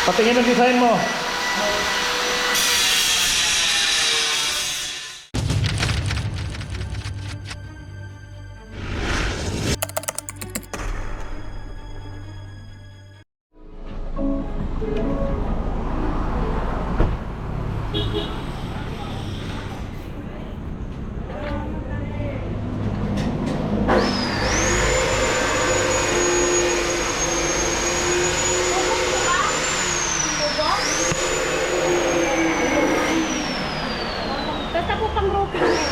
Patingin ang design mo. Basta po pang roping yan.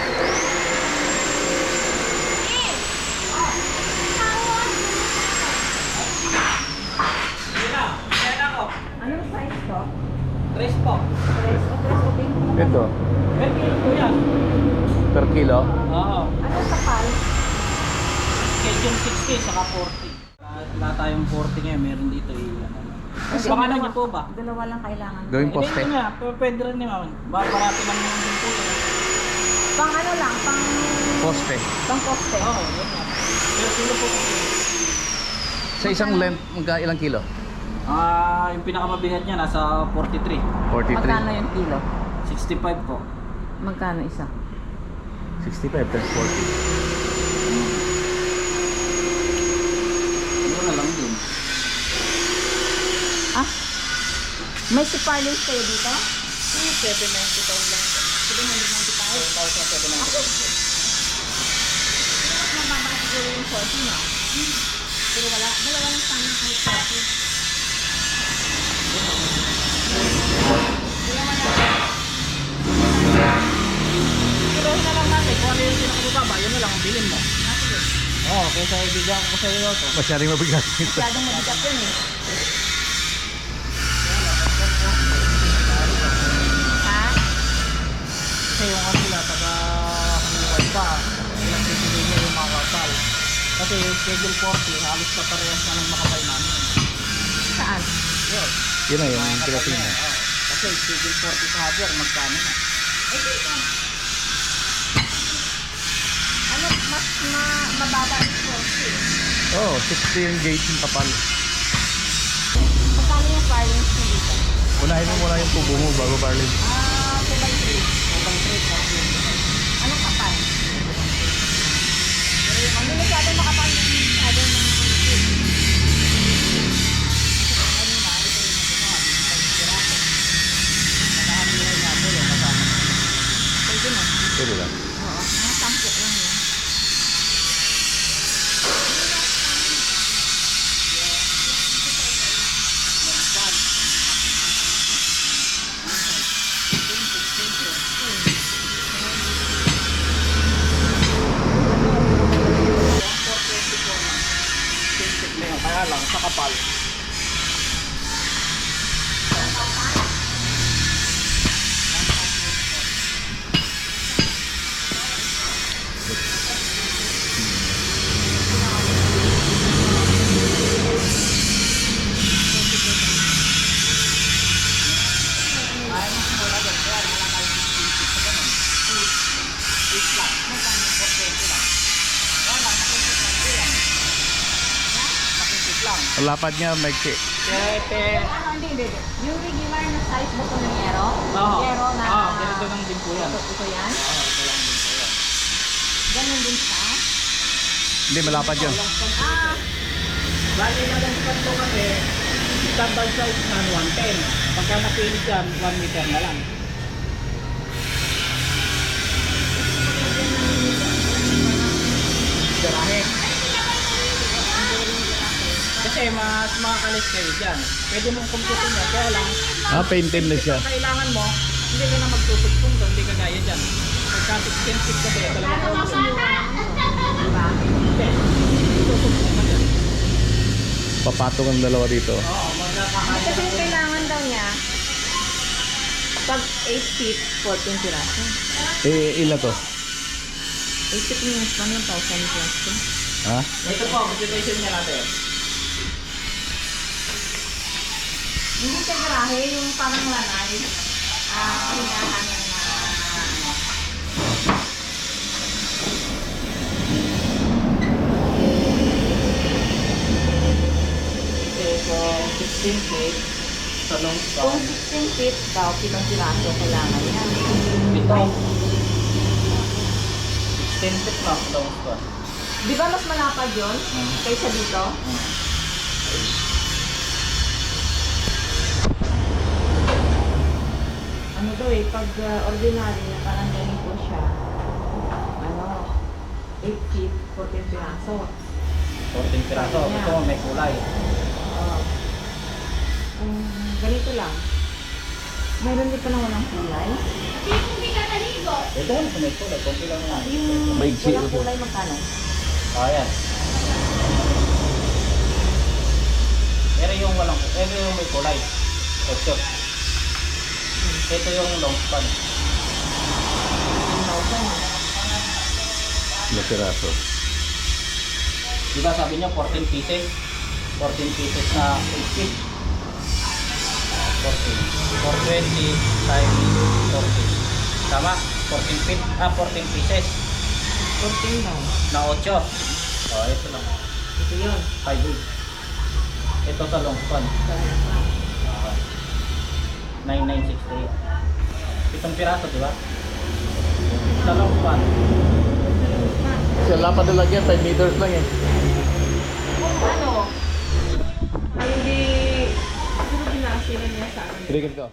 Anong size to? Tres po. Tres o tres o pink? Ito, Per kilo po yan. per kilo. Oo. Anong kapal? Schedule 60 saka 40. Wala tayong 40 ngayon. Meron dito Kasi Baka dalawa- niyo po ba? Dalawa lang kailangan. Gawing poste. Hindi nga. Pwede rin naman. Baka parati lang naman din po. Pang ano lang, pang Poste. poste. Oo, yun nga. Per kilo po. Sa isang length, ilang kilo? Yung pinakamabigat niya nasa 43. 43. Magkano yung kilo? 65 po. Magkano isa? 65 times 40. Mura lang din. Ah? May sipalins kayo dito? 790 lang po. 795. 795. Mas mababa siguro yung 40 no? Pero wala, dalawa lang sana kahit 40. Kilohin na lang natin. Kung ano yung pinakababa, yun na lang ang bilhin mo. Oo, kaysa ibigyan ko sa iyo to. Masyadong mabigat ito. Masyadong mabigat yun eh. Ha? Kasi yung ano sila, taga kaniwan pa, ilang bibigay niya yung mga kapal. Kasi yung schedule 40, halos pa parehas na ng makapal namin. Saan? Yun. Yun na yung Mga kapal pinating na, mo. oo. Kasi schedule 40 sa hardware, magkano na? Eh dito. Ano, mas mababa yung 40. Oh, 60 yung gauge yung kapal. Magkano yung parlance nyo dito? Unahin mo muna yung tubo mo bago barley. 2x3. Anong kapal? Hindi masyadong makapal yung masyado ng pwede na. Pwede lang. Oo, mga 10 lang yan. Kaya lang, sa kapal. Ang lapad niya, maiksi. Ano, hindi. Yung regular na size ba ito ng yero? Oo. Yero na... Ganito lang din po yan. Ito yan? Ito lang din po yan. Ganun din siya? Hindi, malapad yun. Ah, Bali na lang sa ito kasi, standard size na 110. Pagka napilit yan, 1 meter na lang. Garahe. Kasi mas makakalis kayo dyan. Pwede mong kumputin yan, kaya lang, Painted na siya. kung kailangan mo, hindi ka na magtutugtong doon, hindi ka gaya dyan. Pagka expensive kasi, talaga problem. Hindi, tutugtong ka dyan. Papatong ang dalawa dito. Oo, magkakakaya. kasi yung kailangan daw niya, pag 8 feet, 14 piraso. Ilan to? 8 feet minus 1,000 plus to. Ha? Ito po, computation niya natin. Hindi siya garahe, yung parang lanay. Hinahan ng ano. Okay, so 16 feet. Sa long Kung span. 16 feet daw, 7 piraso kailangan niya. Ito. 16 feet na long span. Di ba mas malapad yun kaysa dito? Ano daw eh, pag ordinary na parang ganito siya, ano, 8 feet, 14 piraso. 14 piraso. Ito may kulay. Ganito lang. Mayroon din pa na walang kulay. Ito ano may kulay. Konti lang yan. Yung Maigsi walang ito. kulay magkano? Ayan. Pero yung walang, pero yung may kulay. Ito. Ito yung long span. 10,000. Ilang piraso. Diba sabi niya 14 pieces? 14 pieces na 8 feet. 14. 420 times 14. Tama? 14 feet. 14 pieces. 14 daw. Na 8. Oh, ito lang. Ito yun. 5. Ito sa long span. 9968. Itong piraso, di ba? Sa long span. Kasi lapad na lang yan, 5 meters lang eh. Kung ano, hindi, siguro binasila niya sa akin. Tirigin ko.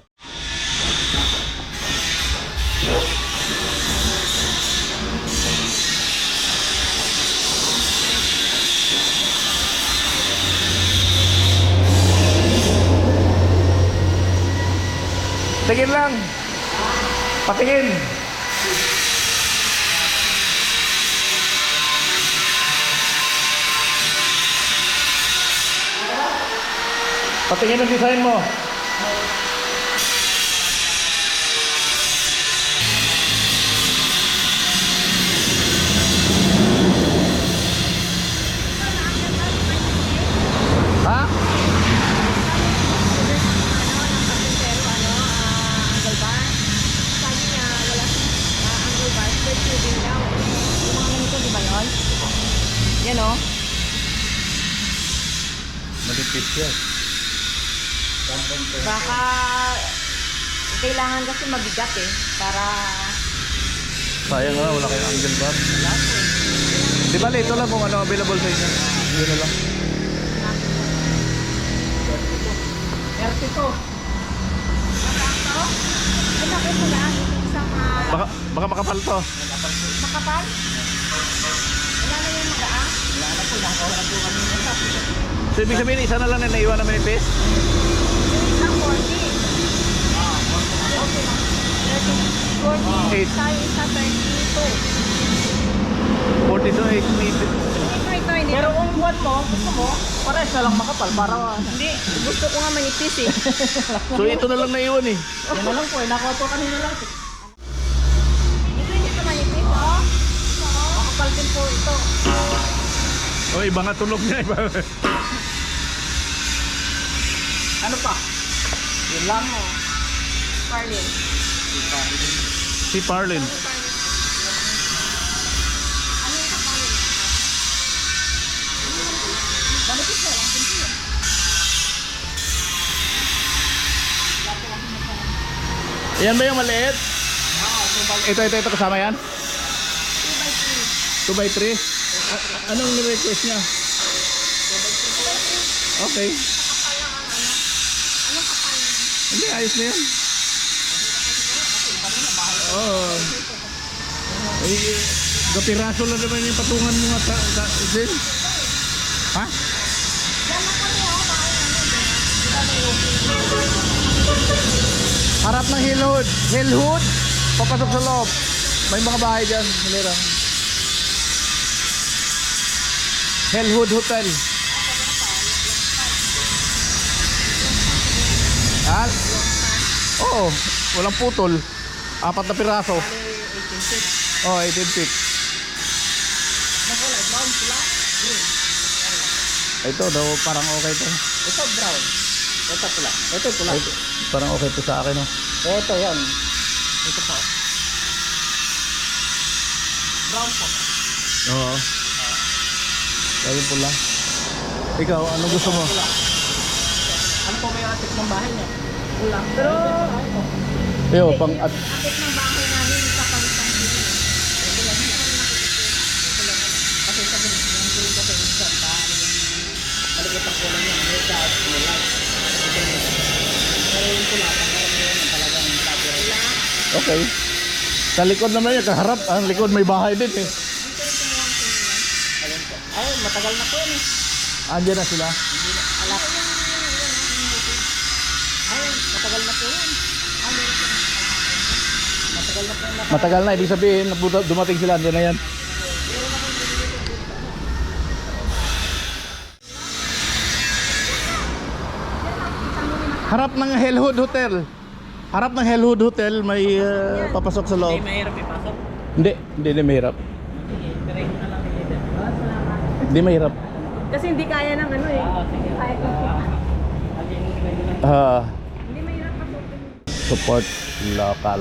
Tingin lang. Patingin. Patingin ang design mo. Ha? Angle bar. Sabi niya, wala angle bar, square tubing daw. Yung mga ganito, di ba yun? Yan o. Malipit yan. Baka kailangan kasi mabigat eh. Para Sayang nga, wala kayong angle bar. Di ba, ito lang kung ano available sa inyo. Yun na lang. 32. Sakto? Ay, naku, wala. Isang Baka makapal to. makapal. Wala na yung magaang. Wala na po, nakawala po kami ng tapos. So, ibig sabihin, isa na lang na naiwan na manipis? Isang 40. Okay lang. 40. Eight. Tayo isa 32. 40 to 8 meters. Ito, hindi. Pero kung buwan mo, gusto mo, pares na lang makapal para Hindi. Gusto ko nga manipis eh. So, ito na lang naiwan eh. yan na lang po, nakuha po kanina lang. Ito hindi pa manipis, oh. Makapal din po ito. O, iba nga tunog niya. Iba. Ano pa? Yun lang. Carlin. Si Parlin. Ano yung kapalit? Manipis na lang. Yan ba yung maliit? Ito kasama yan? 2 by 3. 2x3? Anong request niya? Okay. Kapal lang ang ano. Anong kapal? Hindi, ayos na yan. Oo. Eh, kapiraso lang naman yung patungan mo nga sa din. Ha? Yan lang kami, oh. Bakit ano? Harap ng Hillhood. Hillhood. Papasok sa loob. May mga bahay dyan. Malira. Hillhood Hotel. Ha? Oo. Walang putol. 4 na piraso. 18 feet. Oh, 18 feet. Nakulay, brown, pula, green. Ito daw parang okay to. Ito brown. Ito pula. Ito pula. Ito, parang okay to sa akin, oh. Ito yan. Ito po. Brown po. Oo. Ayun pula. Ikaw, ano gusto mo? Ano po may yung atip ng bahay niya. Wala. Pero, Yo, pang at akit ng bahay namin sa palitang sila. Kasi sabi niya, yung gulo ko kayo sa bahay. Maligot ang kulay niya. May gas, may light. Pero yung pula, pagkaramihan niya talagang copyright. okay. Sa likod naman yan, kaharap. Ang likod may bahay din eh. Ayun po. Ay, matagal na po yun eh. Andiyan na sila. Hindi na alak. Ay, matagal na po yun. Matagal na po yun. Matagal na, ibig sabihin, dumating sila, andiyan na yan. Harap ng Hellwood Hotel. Harap ng Hellwood Hotel, may papasok sa loob. Hindi mahirap ipasok. Hindi mahirap. Sige, tirahin mo na lang yung leader. Hindi mahirap. Kasi hindi kaya ng ano eh. Sige. Kaya ko. Hindi mahirap pasukin. Support local.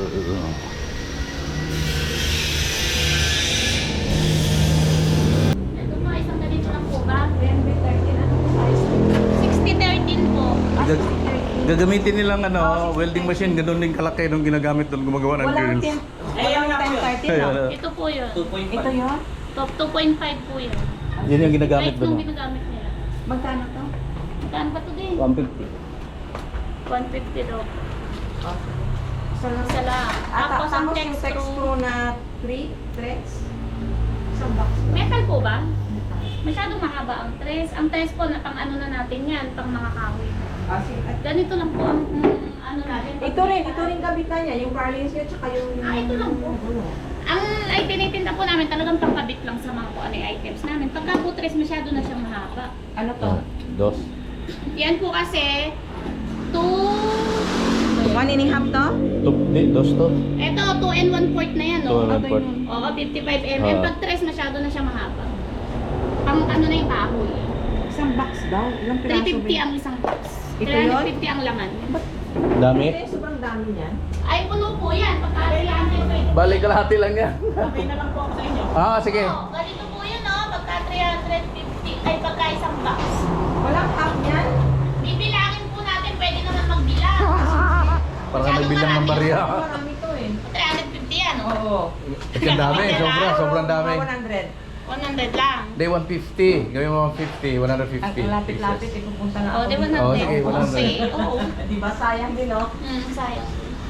Ito po, isang ganito lang po ba? 2013, anong size? 60-13 po. Gagamitin nilang welding machine, ganoon din kalaki nung ginagamit doon gumagawa ng Walang grills. 10, walang 10-13 no? Ito po yun. 2.5. Ito yun? Top 2.5 po yun. Yun yung ginagamit Kahit doon. nung ginagamit nila. Magkano to? Magkano ba ito din? 150. 150 daw. Isa lang. Isa lang. Tapos ang yung text text screw. screw na 3 threads. Isang box. Metal po ba? Masyadong mahaba ang tres. Ang tres po, na pang ano na natin yan, pang mga kahoy. Ganito lang po ang ano natin. Ito rin kabitan niya, yung carlings niya, tsaka yung... Ito lang po. Ang ay tinitinda po namin talagang pangkabit lang sa mga kung ano yung items namin. Pagka po tres, masyado na siyang mahaba. Ano to? Dos. Yan po kasi, 2... 1 and a half to? Dos to. Ito, 2 and 1/4 na yan, no? 2 and 1/4. Oo, 55 mm. Ah. Pag tres, masyado na siya mahaba. Pang ano na yung kahoy. Isang box daw. Ilang piraso 350 ang isang box. Ito yun? 350 ang laman. Dami. Ito yung sobrang dami niyan. Ay, puno po yan. Pagka kailangan kayo. Balik kalahati lang yan. Okay na lang po ako sa inyo. Sige. Oo, ganito po yun, no? Pagka 350, ay pagka isang box. Walang half niyan? Bibilangin po natin, pwede naman magbilang. Para nagbilang ng barya. Marami to eh. 350 yan, no? Oo. Ang dami, sobrang dami. 100. 100 lang. Day 150. Gawin mo 150, 150. Ang lapit-lapit, ipupunta na Oo, ako. di ba dito. na? Oo, sige, 100. Okay, oo. Di ba sayang din, no? Sayang.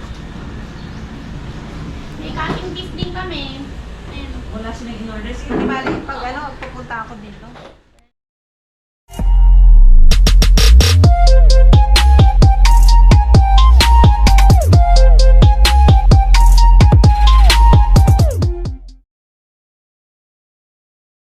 May cutting piece din kami. Ayun. Wala silang in-order. Sige, di bali, pag pupunta ako dito.